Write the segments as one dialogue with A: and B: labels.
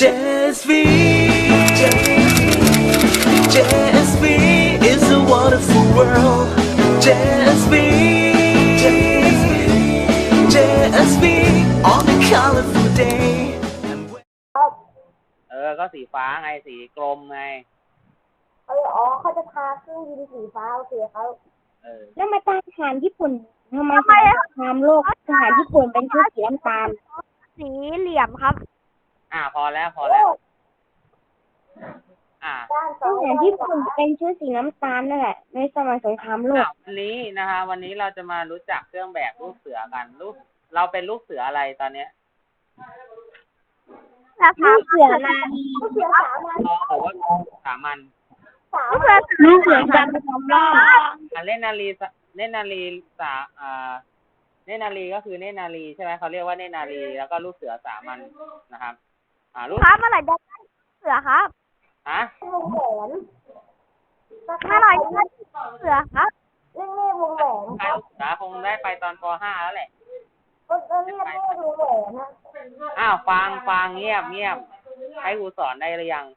A: JSV JSV is a wonderful world. JSV JSV on a colorful day.
B: ก็สีฟ้าไงสีกลมไง
C: เขาจะทาเครื่องบินสีฟ้าโอเคเขา
D: แล้วมาทหารญี่ปุ่นทำไมสงครามโลกทหารญี่ปุ่นเป็นชุดสีน้ำตาล
C: สีเหลี่ยมครับ
B: พอแล้ว
D: ทหารญี่ปุ่นเป็นชุดสีน้ำตาลนั่นแหละในสมัยสงครามโลก
B: วันนี้นะคะวันนี้เราจะมารู้จักเครื่องแบบลูกเสือกันเราเป็นลูกเสืออะไรตอนเนี้ย
D: ลูกเสือนาลี
C: ลูกเสือสามัญ
B: บอกว่าสามัญ
D: ลูกเสือการประจำร่าง
B: เล่นนาลีเนตรนารีก็คือเนตรนารีใช่ไหมเขาเรียกว่าเนตรนารีแล้วก็ลูกเสือสามัญนะครับ
C: ลูกครับเมื่อไหร่จะได้เสือครับวงแหวนเมื่อไหร่จะได้เสือครับเล่นวงแหวน
B: ครับเสือคงได้ไปตอนป .5 แล้วแหละ
C: ก็เรียกวงแหวนนะ
B: ฟังเงียบให้ครูสอนได้หรือยัง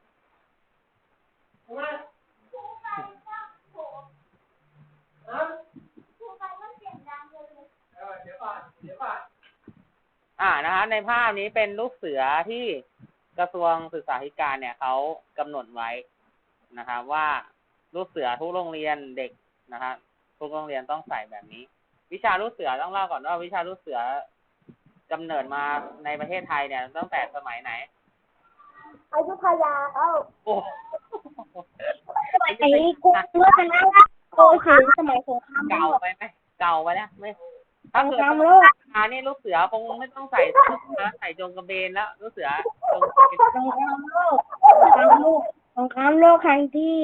B: นะคะในภาพนี้เป็นลูกเสือที่กระทรวงศึกษาธิการเนี่ยเขากำหนดไว้นะครับว่าลูกเสือทุกโรงเรียนเด็กนะครับทุกโรงเรียนต้องใส่แบบนี้วิชาลูกเสือต้องเล่าก่อนว่าวิชาลูกเสือกำเนิดมาในประเทศไทยเนี่ยตั้งแต่สมัยไหน
C: อยุธยา
B: โอ้
D: ไอ้กรุงรัตนโกสินทร์สมัยสงคราม
B: เก่าไปนะไม่ถ้าเกิดนี่ลูกเสือคงไม่ต้องใส่ใส่จงกระเบนแล้วลูกเสือ
D: สงครามโลกครั้งที่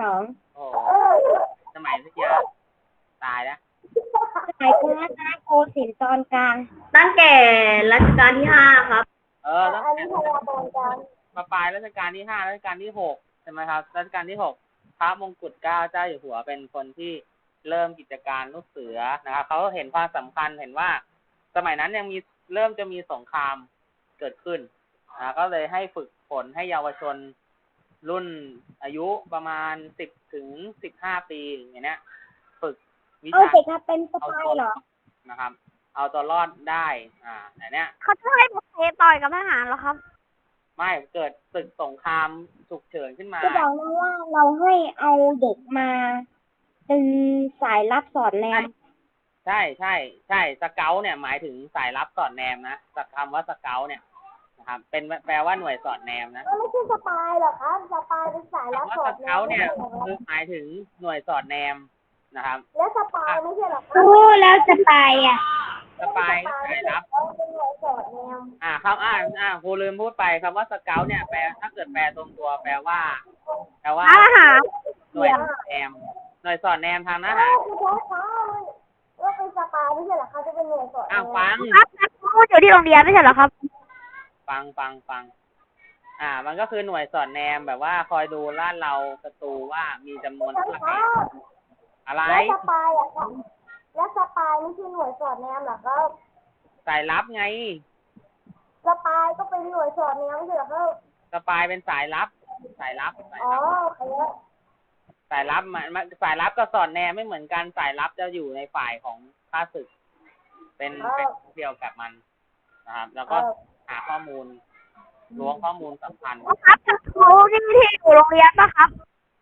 D: 2
B: โอ้สมัยวิทยาตายแล้ว
D: สมัยกรุงรัตนโกสินทร์ตอนกลาง
C: ตั้งแต่รัชกาลที่5ครับ
B: ตั้งแต่ปลายรัชกาลที่5รัชกาลที่6ใช่ไหมครับรัชกาลที่6พระมงกุฎเกล้าเจ้าอยู่หัวเป็นคนที่เริ่มกิจการลูกเสือนะครับเขาเห็นความสำคัญเห็นว่าสมัยนั้นยังเริ่มจะมีสงครามเกิดขึ้นก็เลยให้ฝึกฝนให้เยาวชนรุ่นอายุประมาณ10 ถึง 15 ปีอย่างเนี้ยฝึกวิชา
D: เป็นสปายเหรอ
B: นะครับเอาตัวรอดได้อย่างเนี้ย
C: เขาจะให้ผมต่อยกับทหารเหรอครับ
B: ไม่เกิดศึกสงครามฉุกเฉินขึ้นมา
D: จะบอกนะว่าเราให้เอาเด็กมาเป็นสายลับสอดแนม
B: ใช่สเกลเนี่ยหมายถึงสายลับสอดแนมนะคำว่าสเกลเนี่ยนะครับเป็นแปลว่าหน่วยสอดแนมนะ
C: ไม่ใช่สปายหรอครับสปายเป็นสายลับสอดแนม
B: เนี่ยคือหมายถึงหน่วยสอดแนมนะครับ
C: แล้วสปายไม่ใช่หรอ
D: แล้วสปาย
B: สปายสายลับ
C: เป็นหน่วยสอดแนม
B: ครูลืมพูดไปคำว่าสเกลเนี่ยแปลถ้าเกิดแปลตรงตัวแปลว่า
C: ทหาร
B: หน่วยสอดแนมหน่วยสอดแนมทางทหาร
C: ว่าเป็นสปายไม่ใช่หรอคะจะเป็นหน่วยสอดแนม
B: ฟัง
C: พูดอยู่ที่โรงเรียนไม่ใช่หรอครับ
B: ฟังมันก็คือหน่วยสอดแนมแบบว่าคอยดูลาดเราศัตรูว่ามีจำนวนเท่าไหร่อะไร
C: แล้วสปายแล้วสปายไม่ใช่หน่วยสอดแนมหรอครับ
B: สายลับไง
C: สปายก็เป็นหน่วยสอดแนมไม่ใช่หรอครับ
B: สปายเป็นสายลับสายลับ
C: สายลับ
B: สายลับกับสอดแนมไม่เหมือนกันสายลับจะอยู่ในฝ่ายของข้าศึกเป็นเดียวกับมันนะครับแล้วก็หาข้อมูลล้วงข้อมูลสำคัญ
C: ครับครูนี่ที่อยู่โรงเรียนป่ะครับ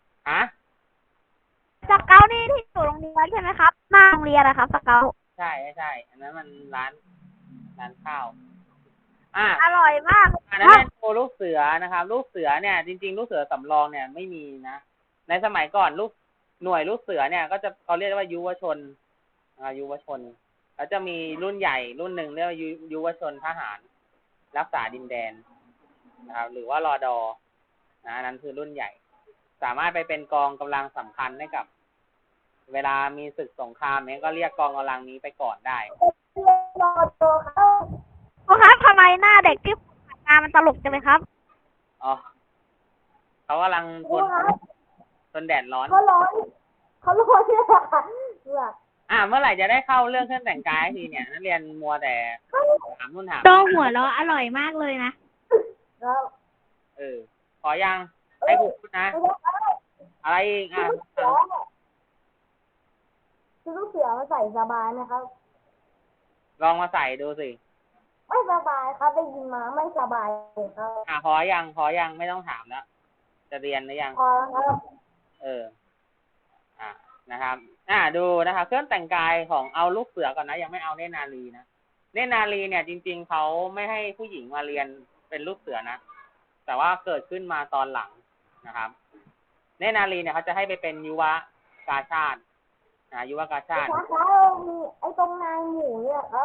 C: สเกลนี่ที่อยู่โรงเรียนใช่ไหมครับหน้าโรงเรียนนะครับสเกล
B: ใช่อันนั้นมันร้านข้าว
C: อร่อยมาก
B: อันนั้นเป็นโลูกเสือนะครับลูกเสือเนี่ยจริงๆลูกเสือสำรองเนี่ยไม่มีนะในสมัยก่อนหน่วยลูกเสือเนี่ยก็จะเขาเรียกว่ายุวชนแล้วจะมีรุ่นใหญ่รุ่นหนึ่งเรียกว่ายุวชนทหารรักษาดินแดนนะครับหรือว่ารดนั้นคือรุ่นใหญ่สามารถไปเป็นกองกำลังสำคัญให้กับเวลามีศึกสงครามเนี่ยก็เรียกกองกำลังนี้ไปก่อนได้
C: ครับทำไมหน้าเด็กที่งานมันตลกจังเลยครับ
B: เขากำลังทนแดดร้อน
C: เขาร้อนเนี่ย
B: เมื่อไหร่จะได้เข้าเรื่องเครื่องแต่งกายทีเนี่ยนักเรียนมัวแต่ถามนู่นถาม
D: โต้หัวเราะอร่อยมากเลยนะ
B: ยังให้ครูพูดนะ อะไรอีกอ่ะ
C: คือลูกเสือมันใส่สบายไหมครับ
B: ลองมาใส่ดูสิ
C: ไม่สบายครับได้ยินมาไม่สบายเลยครับ
B: พอยังไม่ต้องถามแล้วจะเรียนหรือยัง
C: พอแล้วครับ
B: นะครับดูนะครับเครื่องแต่งกายของเอาลูกเสือก่อนนะยังไม่เอาเนตรนารีนะเนตรนารีเนี่ยจริงๆเขาไม่ให้ผู้หญิงมาเรียนเป็นลูกเสือนะแต่ว่าเกิดขึ้นมาตอนหลังนะครับเนตรนารีเนี่ยเขาจะให้ไปเป็นยุวกาชาติยุวกาชาติ
C: ครับมีไอ้ตรงนายหมูเนี่ยครับ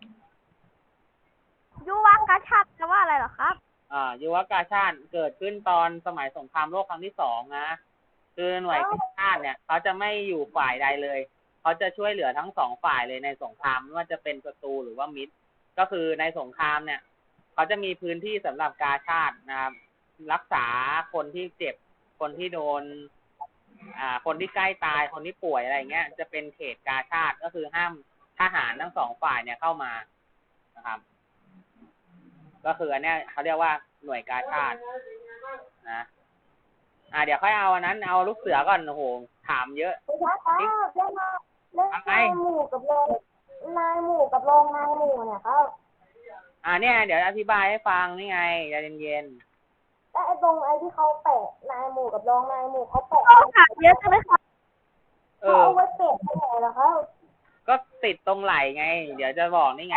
C: ยุวกาชาติแปลว่าอะไรเหรอครับ
B: ยุวกาชาติเกิดขึ้นตอนสมัยสงครามโลกครั้งที่2นะคือหน่วยกาชาติเนี่ยเขาจะไม่อยู่ฝ่ายใดเลยเขาจะช่วยเหลือทั้ง2ฝ่ายเลยในสงครามไม่ว่าจะเป็นศัตรูหรือว่ามิตรก็คือในสงครามเนี่ยเขาจะมีพื้นที่สำหรับกาชาตินะครับรักษาคนที่เจ็บคนที่โดนคนที่ใกล้ตายคนที่ป่วยอะไรเงี้ยจะเป็นเขตกาชาติก็คือห้ามทหารทั้ง2ฝ่ายเนี่ยเข้ามานะครับก็คืออันเนี้ยเขาเรียกว่าหน่วยกาชาตินะเดี๋ยวค่อยเอาอันนั้นเอาลูกเสือก่อนโอ้โหถามเยอะ
C: เล่นนายหมูกับรองนายหมูกับรองนายหมูเนี่ยครับ
B: เนี่ยเดี๋ยวอธิบายให้ฟังนี่ไงใจเย็น
C: ๆแล้วไอ้ตรงไอ้ที่เขาแปะนายหมูกับรองนายหมูเขาแปะถามเยอะจังเลยครับเอาไว้แปะที่ไหนล่ะครับ
B: ก็ติดตรงไหล่ไงเดี๋ยวจะบอกนี่ไง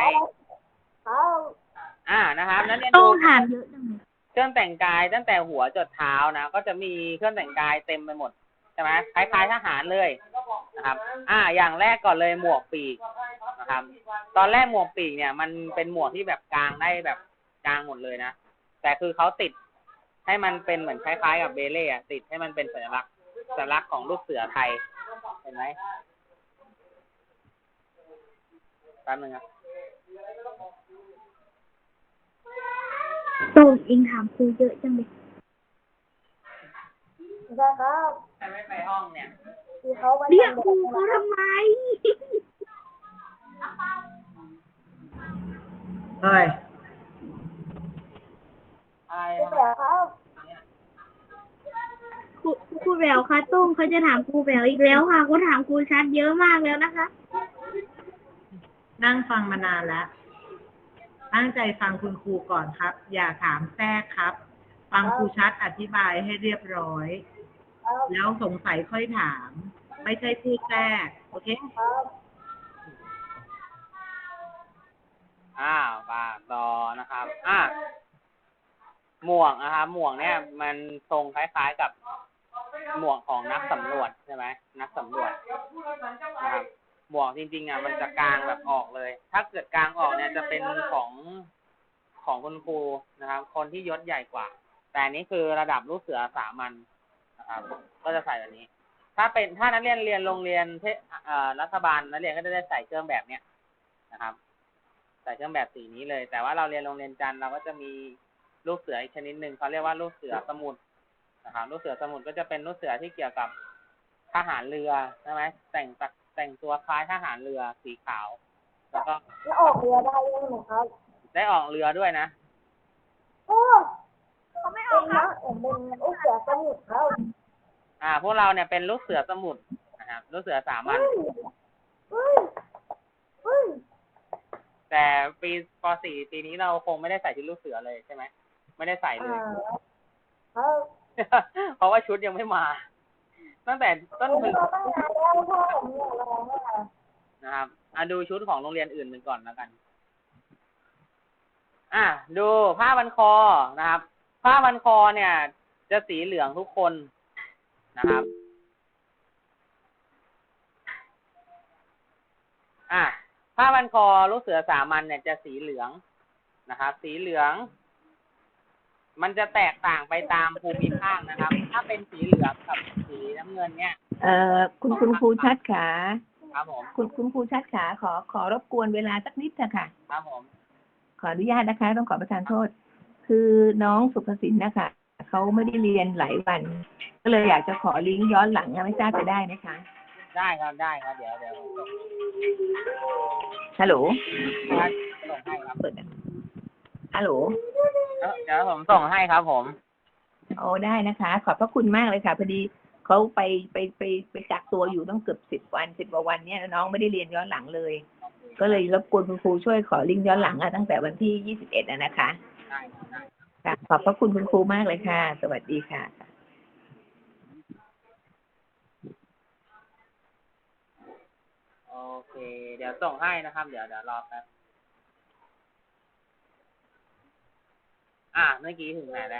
B: นะครับนั้นเนี่ยดู
C: ถามเยอะจังเลย
B: เครื่องแต่งกายตั้งแต่หัวจดเท้านะก็จะมีเครื่องแต่งกายเต็มไปหมดใช่ไหมคล้ายๆทหารเลยนะครับอย่างแรกก่อนเลยหมวกปีกนะครับตอนแรกหมวกปีกเนี่ยมันเป็นหมวกที่แบบกางได้แบบกางหมดเลยนะแต่คือเขาติดให้มันเป็นเหมือนคล้ายๆกับเบเล่ติดให้มันเป็นสัญลักษณ์ของลูกเสือไทยเห็นไหมแป๊บนึงครับ
C: ตูนเองถามครูเยอะจังเลยใช่ครับ
B: ใครไม่ไปห้องเนี่ย
C: เรียกครูเขาทำไม
B: เฮ้ย
C: ครับครูแววค่ะตุ้มเขาจะถามครูแววอีกแล้วค่ะเขาถามครูชัดเยอะมากแล้วนะคะ
E: นั่งฟังมานานแล้วตั้งใจฟังคุณครูก่อนครับอย่าถามแทรกครับฟังครูชัดอธิบายให้เรียบร้อยแล้วสงสัยค่อยถามไม่ใช่พูดแทรกโอเค
B: ว่าต่อนะครับหมวกนะครับหมวกเนี่ยมันทรงคล้ายๆกับหมวกของนักสำรวจใช่ไหมนักสำรวจนะครับหมวกจริงๆมันจะกางแบบออกเลยถ้าเกิดกางออกเนี่ยจะเป็นของคุณครูนะครับคนที่ยศใหญ่กว่าแต่นี้คือระดับลูกเสือสามัญนะครับก็จะใส่แบบนี้ถ้านักเรียนเรียนโรงเรียนรัฐบาลนักเรียนก็จะได้ใส่เครื่องแบบเนี้ยนะครับใส่เครื่องแบบสีนี้เลยแต่ว่าเราเรียนโรงเรียนจันทร์เราก็จะมีลูกเสืออีกชนิดหนึ่งเขาเรียกว่าลูกเสือสมุทรนะครับลูกเสือสมุทรก็จะเป็นลูกเสือที่เกี่ยวกับทหารเรือใช่ไหมแต่งตัวคล้ายทหารเรือสีขาวแล้วก็
C: ออกเรือได้ยังไงครับ
B: ได้ออกเรือด้วยนะ
C: เขาไม่ออกครับเป็นลูกเสือสมุทรครับ
B: พวกเราเนี่ยเป็นลูกเสือสมุทรนะครับลูกเสือสามัญแต่ปีป .4 ปีนี้เราคงไม่ได้ใส่ชุดลูกเสือเลยใช่ไหมไม่ได้ใส่เลยเพราะว่าชุดยังไม่มาตั้งแต่ต้นปีนะครับดูชุดของโรงเรียนอื่นกันก่อนแล้วกันดูผ้าพันคอนะครับผ้าพันคอเนี่ยจะสีเหลืองทุกคนนะครับผ้าพันคอลูกเสือสามัญเนี่ยจะสีเหลืองนะครับสีเหลืองมันจะแตกต่างไปตามภูมิภาคนะครับถ้าเป็นสีเหลืองกับสีน้ำเงินเนี่ย
E: คุณครูชัดขา
B: ครับผม
E: คุณครูชัดขาขอรบกวนเวลาสักนิดเถอะค่ะ
B: ครับผม
E: ขออนุญาตนะคะต้องขอประทานโทษคือน้องสุภสินนะคะเขาไม่ได้เรียนหลายวันก็เลยอยากจะขอลิงก์ย้อนหลังไม่ทราบจะได้ไหมคะ
B: ได้ครับเดี๋ยว
E: ฮัลโหล
B: ส่งให้ครับ
E: ฮัลโหล
B: เดี๋ยวผมส่งให้ครับผม
F: โอ้ได้นะคะ ขอบพระคุณมากเลยค่ะพอดีเขาไปกักตัวอยู่ต้องเกือบ10 วัน10 กว่าวันเนี่ยน้องไม่ได้เรียนย้อนหลังเลย ก็เลยรบกวนคุณครูช่วยขอลิงก์ย้อนหลังตั้งแต่วันที่21นะคะ
B: ได้ได้
F: ค่ะขอบพระคุณคุณครูมากเลยค่ะ สวัสดีค่ะ
B: โอเค เดี๋ยวส่งให้นะครับ เดี๋ยวรอแป๊บเมื่อกี้ถึงไหนแล้ว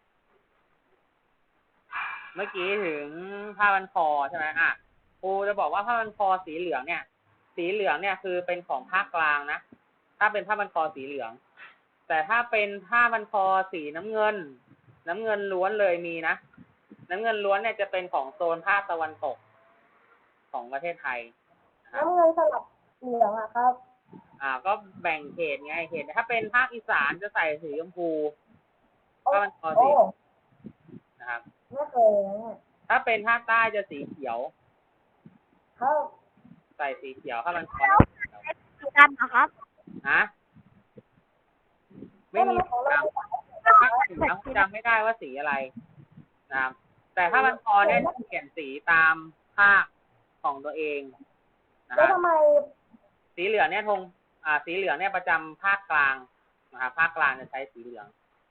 B: เมื่อกี้ถึงผ้าพันคอใช่ไหมครูจะบอกว่าผ้าพันคอสีเหลืองเนี่ย สีเหลืองเนี่ยคือเป็นของภาคกลางนะ ถ้าเป็นผ้าพันคอสีเหลือง แต่ถ้าเป็นผ้าพันคอสีน้ำเงินล้วนเลยมีนะ น้ำเงินล้วนเนี่ยจะเป็นของโซนภาคตะวันตกของประเทศไทย
C: น้ำเงินสลับเหลืองอะครับ
B: ก็แบ่งเขตไงเขตถ้าเป็นภาคอีสานจะใส่สีชมพูผ้าพันคอสีนะครับ
C: ไม่เคยนะเนี่ย
B: ถ้าเป็นภาคใต้จะสีเขียว
C: ครับ
B: ใส่สีเขียวผ้าพันคอ
C: สีดำนะครับ
B: ไม่มีสีดำภาคเหนือจำไม่ได้ว่าสีอะไรนะครับแต่ผ้าพันคอเนี่ยจะเปลี่ยนสีตามภาคของตัวเองนะค
C: แล้ว
B: รับ
C: ทำไม
B: สีเหลืองเนี่ยสีเหลืองเนี่ยประจำภาคกลางนะครับภาคกลางจะใช้สีเหลือง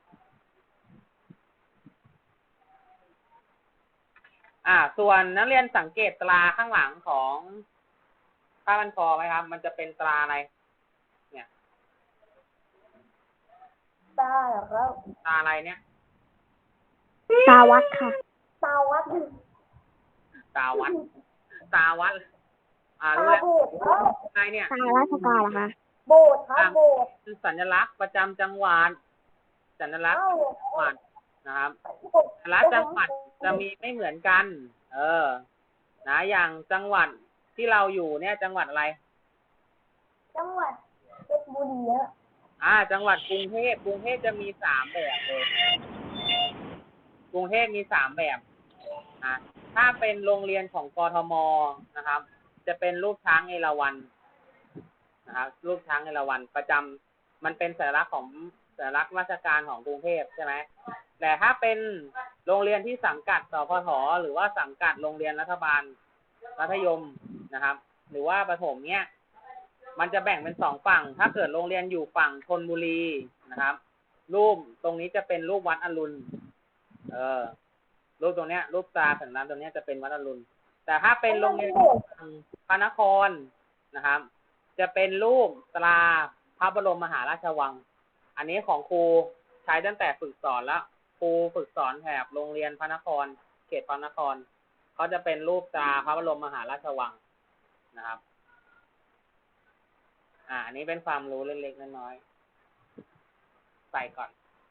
B: ส่วนนักเรียนสังเกตตราข้างหลังของผ้าพันคอไหมครับ มันจะเป็นตราอะไร เนี่ย
C: ตาเหรอครับ
B: ตราอะไรเนี่ย
C: ตาวัดค่ะ ตาวัด
B: ตาวัด
C: ตา
B: รู้แล้ว
C: โบสถ์ครับ
B: อะไรเนี่ย
C: ตาราชการเหรอคะโบสถ์ครับโบสถ์
B: คือสัญลักษณ์ประจำจังหวัดสัญลักษณ์จังหวัดนะครับแต่ละจังหวัดจะมีไม่เหมือนกัน นะอย่างจังหวัดที่เราอยู่เนี่ยจังหวัดอะไร
C: จังหวัดเพชรบุรีอะ
B: จังหวัดกรุงเทพจะมี3 แบบเลยกรุงเทพมี3 แบบถ้าเป็นโรงเรียนของกทมนะครับ จะเป็นรูปช้างเอราวัณนะครับรูปช้างเอราวัณประจำมันเป็นสัญลักษณ์ของสัญลักษณ์ราชการของกรุงเทพใช่ไหมแต่ถ้าเป็นโรงเรียนที่สังกัดสพทหรือว่าสังกัดโรงเรียนรัฐบาลมัธยมนะครับ หรือว่าประถมเนี่ยมันจะแบ่งเป็น2 ฝั่งถ้าเกิดโรงเรียนอยู่ฝั่งธนบุรีนะครับ รูปตรงนี้จะเป็นรูปวัดอรุณรูปตรงเนี้ยรูปตราสัญลักษณ์ตรงเนี้ยจะเป็นวัดอรุณแต่ถ้าเป็นโรงเรียนฝั่งพระนครนะครับ จะเป็นรูปตราพระบรมมหาราชวังอันนี้ของครูใช้ตั้งแต่ฝึกสอนแล้วครูฝึกสอนแถบโรงเรียนพระนครเขตพระนครเขาจะเป็นรูปตราพระบรมมหาราชวังนะครับอันนี้เป็นความรู้เล็กๆน้อยๆใส่ก่อน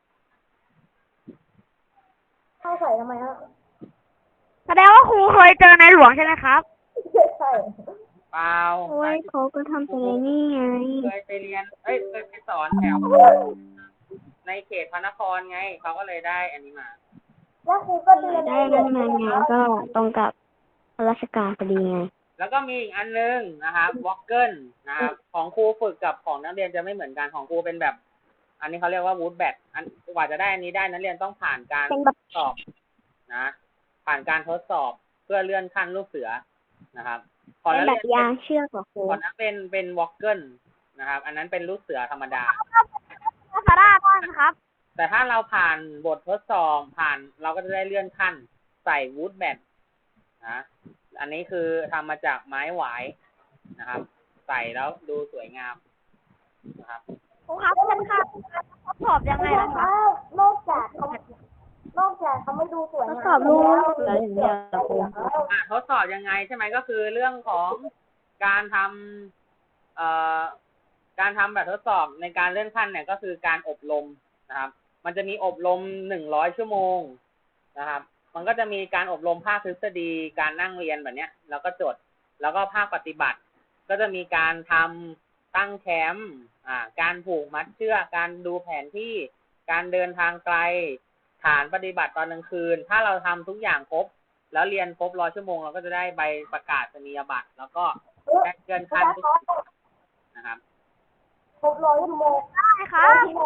C: เข้าใส่ทำไมฮะ
D: แสดงว่าครูเคยเจอในหลวงใช่ไหมครับ
C: ใช่
B: เปล่า
D: โอ้ยเขาก็ทำแต่นี่ไง
B: เคยไปเรียนเคยไปสอนแถวในเขตพระนครไงเขาก็เลยได้อันนี้มา
C: แล้วครูก็เรียน
D: ได้นั่นมาไงก็ตรงกับราชการพอดีไง
B: แล้วก็มีอีกอันนึงนะครับวอลเกิลนะครับของครูฝึกกับของนักเรียนจะไม่เหมือนกันของครูเป็นแบบ อันนี้เขาเรียกว่าวูดแบทกว่าจะได้อันนี้ได้นักเรียนต้องผ่านการทดสอบนะผ่านการทดสอบเพื่อเลื่อนขั้นลูกเสือนะครับของนักเรียนยางเชือกของครูของนักเป็นวอลเกิลนะครับ อันนั้นเป็นลูกเสือธรรมดา
C: คาราบ้างครับ
B: แต่ถ้าเราผ่านบททดสอบเราก็จะได้เลื่อนขั้นใส่วูดแบทนะอันนี้คือทำมาจากไม้หวายนะครับ ใส่แล้วดูสวยงามนะครับ
C: ครูครับเป็นค่ะทดสอบยังไงล่ะคะนอกจากเขาไม่ดูสวยงาม
D: ทดสอบลูกเสืออย่างเดียวเหรอครู
B: ทดสอบยังไงใช่ไหมก็คือเรื่องของการทำแบบทดสอบในการเลื่อนขั้นเนี่ยก็คือการอบรมนะครับ มันจะมีอบรม100 ชั่วโมงนะครับ มันก็จะมีการอบรมภาคทฤษฎีการนั่งเรียนแบบเนี้ยแล้วก็จดแล้วก็ภาคปฏิบัติ ก็จะมีการทำตั้งแคมป์การผูกมัดเชือกการดูแผนที่การเดินทางไกลฐานปฏิบัติตอนกลางคืนถ้าเราทำทุกอย่างครบแล้วเรียนครบ100 ชั่วโมงเราก็จะได้ใบประกาศนียบัตรแล้วก็ได้เงินขั้นทุกนะครับ
C: ครบ100 ชั่วโมงได้ค่ะ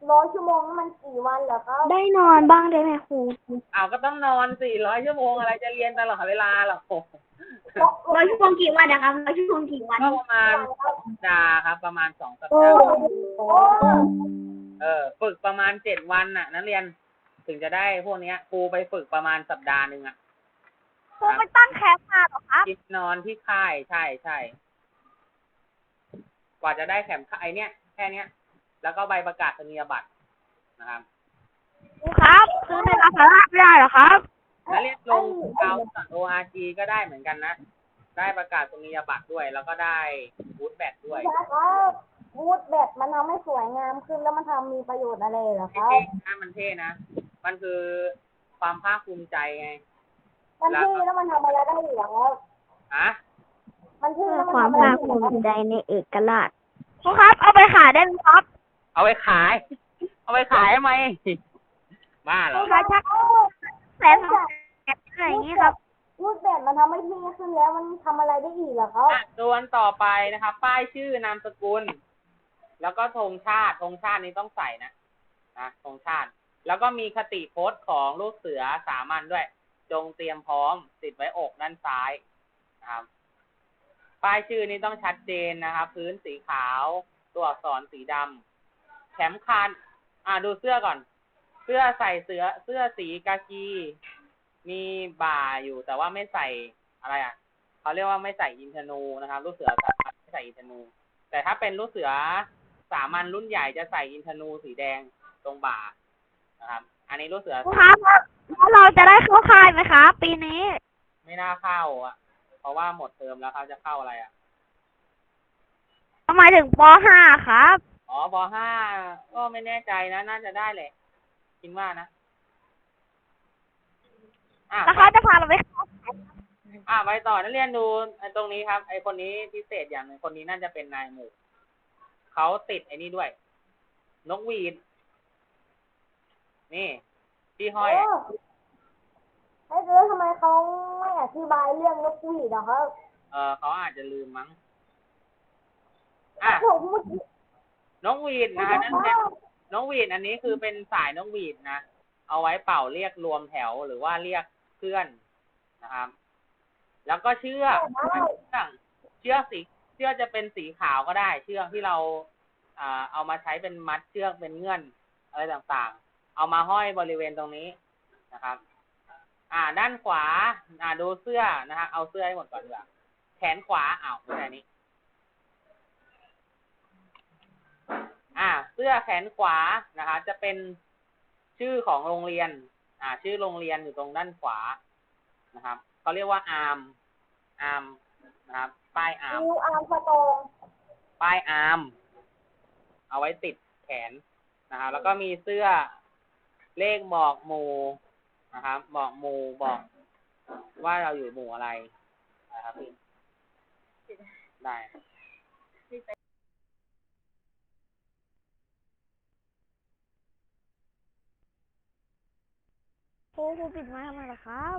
C: 100 ชั่วโมงมันกี่วันเหรอครับ ได้นอนบ้างได้ไหมครู
B: เอาก็ต้องนอน400 ชั่วโมงอะไรจะเรียนตลอดเวลาหรอ
C: 100 ชั่วโมงกี่วันนะครับ100 ชั่วโมงกี่วัน
B: ก็ประมาณ2 สัปดาห์ครับ ประมาณ2 สัป
C: โอ้
B: ดาห์
C: โห
B: ฝึกประมาณ7 วันน่ะนักเรียนถึงจะได้พวกเนี้ยครูไปฝึกประมาณสัปดาห์หนึ่งอ่ะ
C: ครูไปตั้งแคมป์มาเหรอครับ
B: กินนอนที่ค่ายใช่ใช่กว่าจะได้แคมป์ค่ายเนี้ยแค่เนี้ย แล้วก็ใบประกาศนียบัตรนะครับ
C: ครูครับซื้อในร้านค้าไม่ได้เหรอครับ
B: นักเรียนลงเอา.org ก็ได้เหมือนกันนะ ได้ประกาศนียบัตรด้วย แล้วก็ได้บูทแบตด้วย
C: ครับบูทแบบมันทำให้สวยงามขึ้นแล้วมันทำมีประโยชน์อะไรเหรอครับ
B: เท่นะมันเท่นะ มันคือความภาคภูมิใจไง
C: มันเท่แล้วมันทำอะไรได้อีกเหรอครับ
B: ฮะ
C: มันเท่แล้วมันทำอะไรได้อีกเหรอครับความภาคภูมิใจในเอกราชครูครับเอาไปขายได้ไหมครับ
B: เอาไปขาย เอาไปขายทำไม บ้าเหรอ
C: ขายชักแสนอะไรอย่างนี้ครับรูปแบบมันทำให้เท่ขึ้นแล้วมันทำอะไรได้อีกเหรอครับ
B: ส่วนต่อไปนะครับ ป้ายชื่อนามสกุล แล้วก็ธงชาตินี้ต้องใส่นะธงชาติ แล้วก็มีคติพจน์ของลูกเสือสามัญด้วย จงเตรียมพร้อมติดไว้อกด้านซ้ายนะครับป้ายชื่อนี้ต้องชัดเจนนะครับ พื้นสีขาวตัวอักษรสีดำแขนคันดูเสื้อก่อน เสื้อใส่เสื้อสีกากีมีบ่าอยู่แต่ว่าไม่ใส่อะไรเขาเรียกว่าไม่ใส่อินทนูนะครับลูกเสือสามัญไม่ใส่อินทนู แต่ถ้าเป็นลูกเสือสามัญรุ่นใหญ่จะใส่อินทนูสีแดงตรงบ่านะครับ อันนี้ลูกเสือ
C: ครับแล้วเราจะได้เข้าค่ายไหมครับปีนี้
B: ไม่น่าเข้าเพราะว่าหมดเทอมแล้วเขาจะเข้าอะไร
C: ทำไมถึงป .5 ครับ
B: ป.5 ก็ไม่แน่ใจนะน่าจะได้แหละคิดว่านะ
C: แล้วเขาจะพาเราไปเข้า
B: ไปต่อนักเรียนดูตรงนี้ครับไอคนนี้พิเศษอย่างหนึ่งคนนี้น่าจะเป็นนายหมู่เขาติดไอ้นี่ด้วยนกหวีดนี่ที่ห้อย
C: แล้วทำไมเขาไม่อธิบายเรื่องนกหวีดอะครับ
B: เขาอาจจะลืมมั้งนกหวีดนะนั่นเป็นนกหวีดอันนี้คือเป็นสายนกหวีดนะเอาไว้เป่าเรียกรวมแถวหรือว่าเรียกเพื่อนนะครับแล้วก็เชือกจะเป็นสีขาวก็ได้เชือกที่เราเอามาใช้เป็นมัดเชือกเป็นเงื่อนอะไรต่างๆเอามาห้อยบริเวณตรงนี้นะครับด้านขวาดูเสื้อนะฮะเอาเสื้อให้หมดก่อนดีกว่าแขนขวาไม่ใช่นี้เสื้อแขนขวานะคะจะเป็นชื่อของโรงเรียนชื่อโรงเรียนอยู่ตรงด้านขวานะครับเขาเรียกว่าอาร์มนะครับป้ายอาร์มป้ายอาร์มเอาไว้ติดแขนนะครับแล้วก็มีเสื้อเลขบอกหมู่นะครับบอกหมู่บอกว่าเราอยู่หมู่อะไรนะครับได้
C: ครูปิดไม้ทำไมล่ะครับ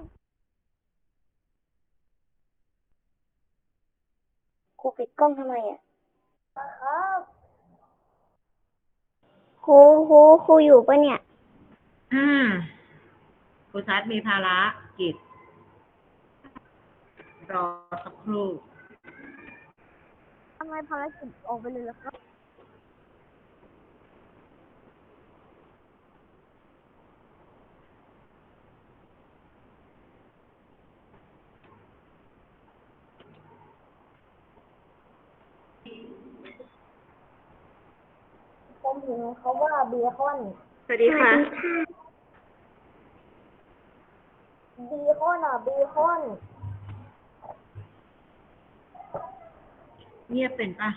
C: ครูปิดกล้องทำไมครับครูอยู่ปะเนี่ย
E: ครูชัดมีภาระกิจรอสักครู่
C: ทำไมภารกิจออกไปเลยล่ะครับผมเห็นเขาว่าเบคอน
E: สวัสดีค่ะ
C: เบคอนเบคอน
E: เงียบเป็นปะ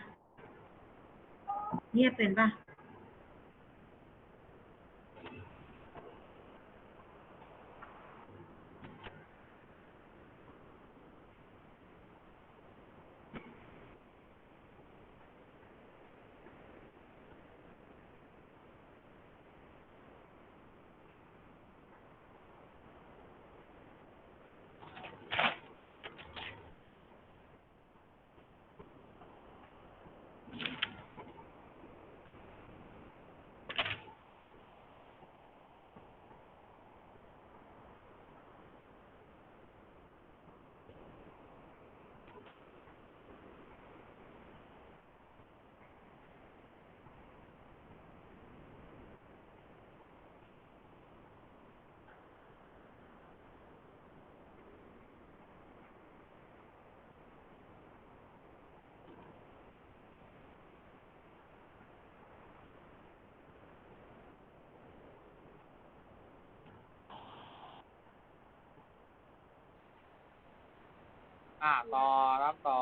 B: ต่อรับต่อ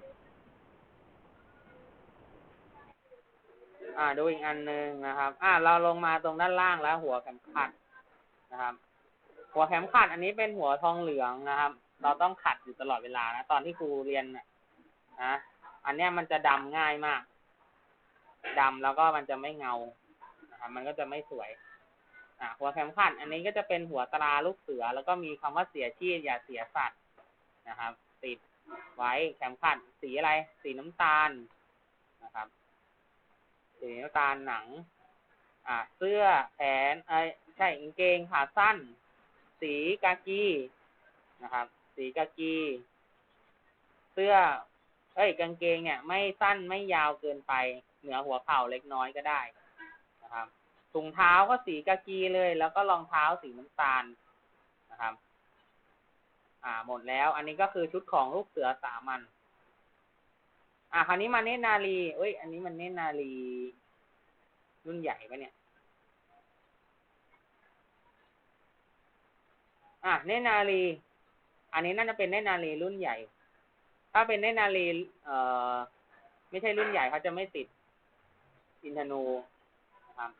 B: ดูอีกอันหนึ่งนะครับเราลงมาตรงด้านล่างแล้วหัวเข็มขัดนะครับ หัวเข็มขัดอันนี้เป็นหัวทองเหลืองนะครับ เราต้องขัดอยู่ตลอดเวลานะตอนที่ครูเรียนนะอันเนี้ยมันจะดำง่ายมากดำแล้วก็มันจะไม่เงานะครับมันก็จะไม่สวยหัวเข็มขัดอันนี้ก็จะเป็นหัวตราลูกเสือแล้วก็มีคำว่าเสียชีพอย่าเสียสัตว์นะครับติดไว้เข็มขัดสีอะไรสีน้ำตาลนะครับสีน้ำตาลหนังเสื้อแขนใช่กางเกงขาสั้นสีกากีนะครับสีกากีเสื้อกางเกงเนี่ยไม่สั้นไม่ยาวเกินไปเหนือหัวเข่าเล็กน้อยก็ได้นะครับถุงเท้าก็สีกากีเลยแล้วก็รองเท้าสีน้ำตาลนะครับหมดแล้วอันนี้ก็คือชุดของลูกเสือสามัญคราวนี้มาเนตรนารีอันนี้มันเนตรนารีรุ่นใหญ่ปะเนี่ยเนตรนารีอันนี้น่าจะเป็นเนตรนารีรุ่นใหญ่ถ้าเป็นเนตรนารีไม่ใช่รุ่นใหญ่เขาจะไม่ติดอินทนูนะครับ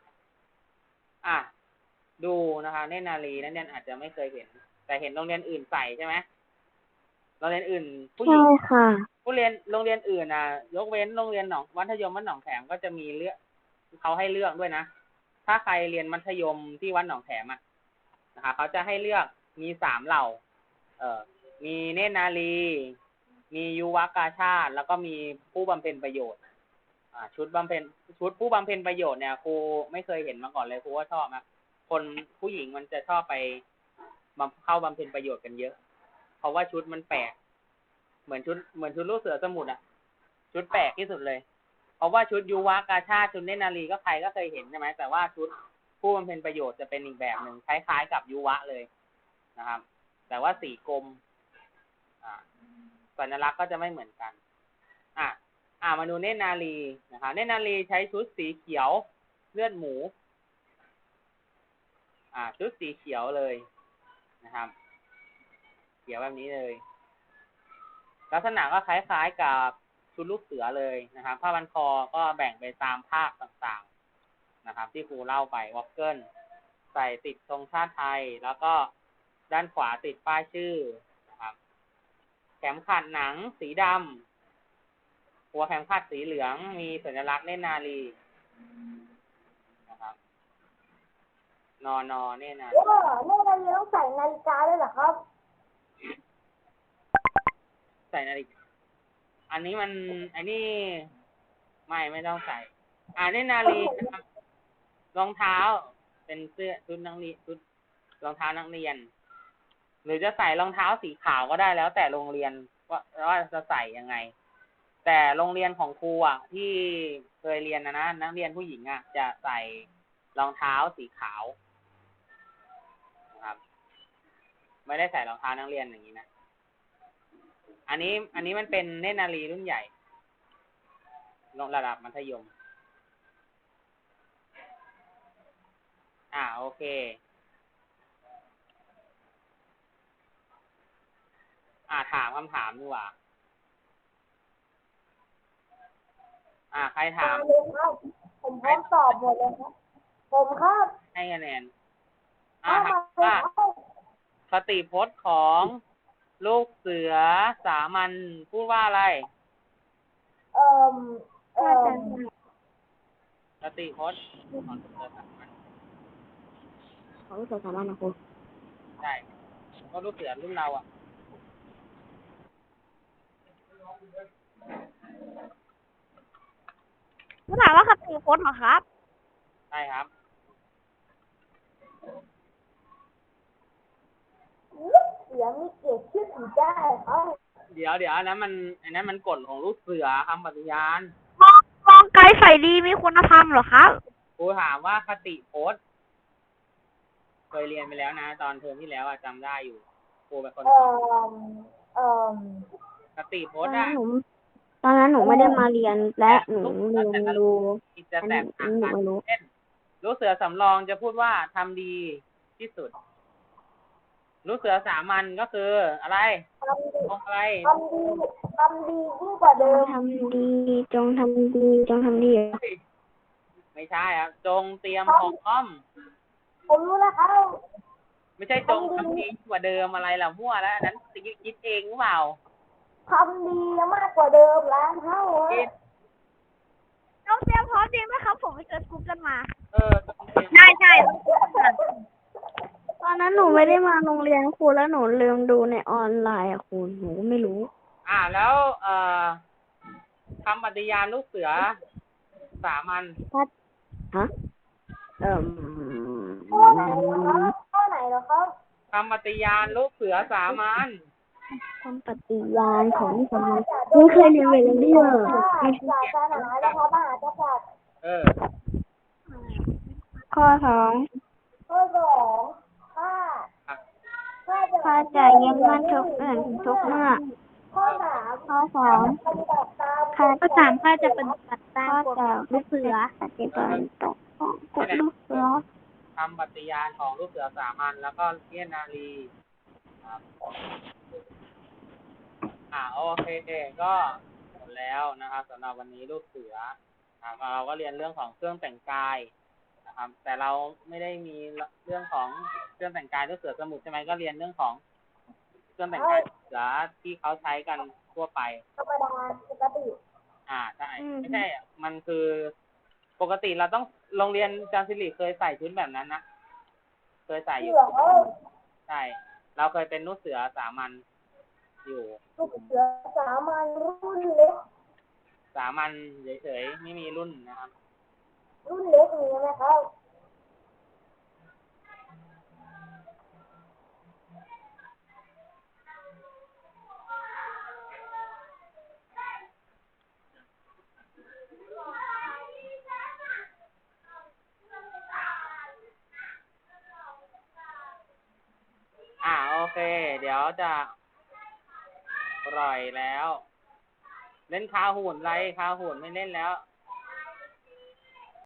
B: ดูนะคะเนตรนารีนั่นอาจจะไม่เคยเห็นแต่เห็นโรงเรียนอื่นใส่ใช่ไหมโรงเรียนอื่นผู้หญิงผู้เรียนโรงเรียนอื่นยกเว้นโรงเรียนมัธยมวัดหนองแขมก็จะมีเลือกเขาให้เลือกด้วยนะถ้าใครเรียนมัธยมที่วัดหนองแขมนะคะเขาจะให้เลือกมี3เหล่ามีเนตรนารีมียุวกาชาติแล้วก็มีผู้บำเพ็ญประโยชน์ชุดผู้บำเพ็ญประโยชน์เนี่ยครูไม่เคยเห็นมาก่อนเลยครูว่าชอบนะคนผู้หญิงมันจะชอบไปเข้าบำเพ็ญประโยชน์กันเยอะเพราะว่าชุดมันแปลกเหมือนชุดลูกเสือสมุทรชุดแปลกที่สุดเลยเพราะว่าชุดยุวกาชาติชุดเนตรนารีก็ใครก็เคยเห็นใช่ไหมแต่ว่าชุดผู้บำเพ็ญประโยชน์จะเป็นอีกแบบหนึ่งคล้ายๆกับยุวะเลยนะครับแต่ว่าสีกรมสัญลักษณ์ก็จะไม่เหมือนกันมาดูเนตรนารีนะครับเนตรนารีใช้ชุดสีเขียวเลือดหมูชุดสีเขียวเลยนะครับเขียวแบบนี้เลยลักษณะก็คล้ายๆกับชุดลูกเสือเลยนะครับผ้าพันคอก็แบ่งไปตามภาคต่างๆนะครับที่ครูเล่าไปวอลเกิลใส่ติดธงชาติไทยแล้วก็ด้านขวาติดป้ายชื่อนะครับเข็มขัดหนังสีดำหัวเข็มขัดสีเหลืองมีสัญลักษณ์เนตรนารีนะครับนเนตรนารี
C: ต้องใส่นาฬิกาด้วยเหรอครับ
B: ใส่นาฬิกาอันนี้ไม่ต้องใส่เนตรนารีนะครับรองเท้าเป็นเสื้อชุดนักเรียนชุดรองเท้านักเรียนหรือจะใส่รองเท้าสีขาวก็ได้แล้วแต่โรงเรียนว่าจะใส่ยังไงแต่โรงเรียนของครูที่เคยเรียนนะนักเรียนผู้หญิงจะใส่รองเท้าสีขาวนะครับไม่ได้ใส่รองเท้านักเรียนอย่างนี้นะอันนี้มันเป็นเนตรนารีรุ่นใหญ่ระดับมัธยมโอเคถามคำถามดีกว่าใครถาม
C: ผมพร้อมตอบหมดเลยครับผมครับ
B: ให้คะแนนถามว่าคติพจน์ของลูกเสือสามัญพูดว่าอะไรคติพจน์ของลูกเสือสามัญ
D: นะครู
B: ใช่ก็ลูกเสือรุ่นเรา
C: คุณถามว่าคติพจน์เหรอครับ
B: ใช่ครับ
C: เสียงมีเกียรติชื่อถือได้
B: เดี๋ยวอันนั้นมันกฎของลูกเสือคำปฏิญาณ
C: มองไกลใส่ดีมีคุณธรรมเหรอครับ
B: ครูถามว่าคติพจน์เคยเรียนไปแล้วนะตอนเทอมที่แล้วจำได้อยู่ครูเป็นคนสอนคติพจน์
D: ตอนนั้นหนูไม่ได้มาเรียนและหนูเรียนรู้
B: จะแตกต่างกันเช่นลูกเสือสำรองจะพูดว่าทำดีที่สุดลูกเสือสามัญก็คืออะไรตรงอะไร
C: ทำดียิ่งกว่าเดิมทำดีจงทำดีจงทำดี
B: ไม่ใช่ครับจงเตรียมพร้อม
C: ผมรู้แล้วครับ
B: ไม่ใช่จงทำดีกว่าเดิมอะไรล่ะมั่วแล้วอันนั้นคิดเองหรือเปล่า
C: ทำดีมากกว่าเดิมล้านเท่า
B: คิด
C: น้องเตรียมพร้อมจริงไหมครับผมไปเจอกูกันมา
B: จงเตรียม
C: ใช่ตอนนั้นหนูไม่ได้มาโรงเรียนครูแล้วหนูลืมดูในออนไลน์อะครูหนูก็ไม่รู้
B: แล้วคำปฏิญาณลูกเสือสามัญ
C: ฮะข้อไหนเหรอครับ
B: คำปฏิญาณลูกเสือสามัญ
C: คำปฏิญาณของสมัยไม่เคยเรียนเวลาเดียวศาสนาและพระมหากษัตริย์ข้อสองข้าจะยึดมั่นทุกอื่นทุกเมื่อข้อสามข้าจะปฏิบัติตามกฎลูกเสือปฏิบัติตามกฎลูกเสือ
B: คำปฏิญาณของลูกเสือสามัญแล้วก็เลี้ยนนารีครับโอเคก็หมดแล้วนะครับสำหรับวันนี้ลูกเสือเราก็เรียนเรื่องของเครื่องแต่งกายนะครับแต่เราไม่ได้มีเรื่องของเครื่องแต่งกายลูกเสือสมุทรใช่ไหมก็เรียนเรื่องของเครื่องแต่งกายเสือที่เขาใช้กันทั่วไป
C: ธรรมดาปกติ
B: ใช่ไม่ใช่มันคือปกติเราต้องโรงเรียนจามศิริเคยใส่ชุดแบบนั้นนะเคยใส่อยู่ใช่เราเคยเป็นลูกเสือสามัญอยู่
C: ลูกเสือสามัญรุ่นเล็ก
B: สามัญเฉยๆไม่มีรุ่นนะครับ
C: รุ่นเล็กมีไหมครับ
B: โอเคเดี๋ยวจะปล่อยแล้วเล่นคาหุ่นไรคาหุ่นไม่เล่นแล้ว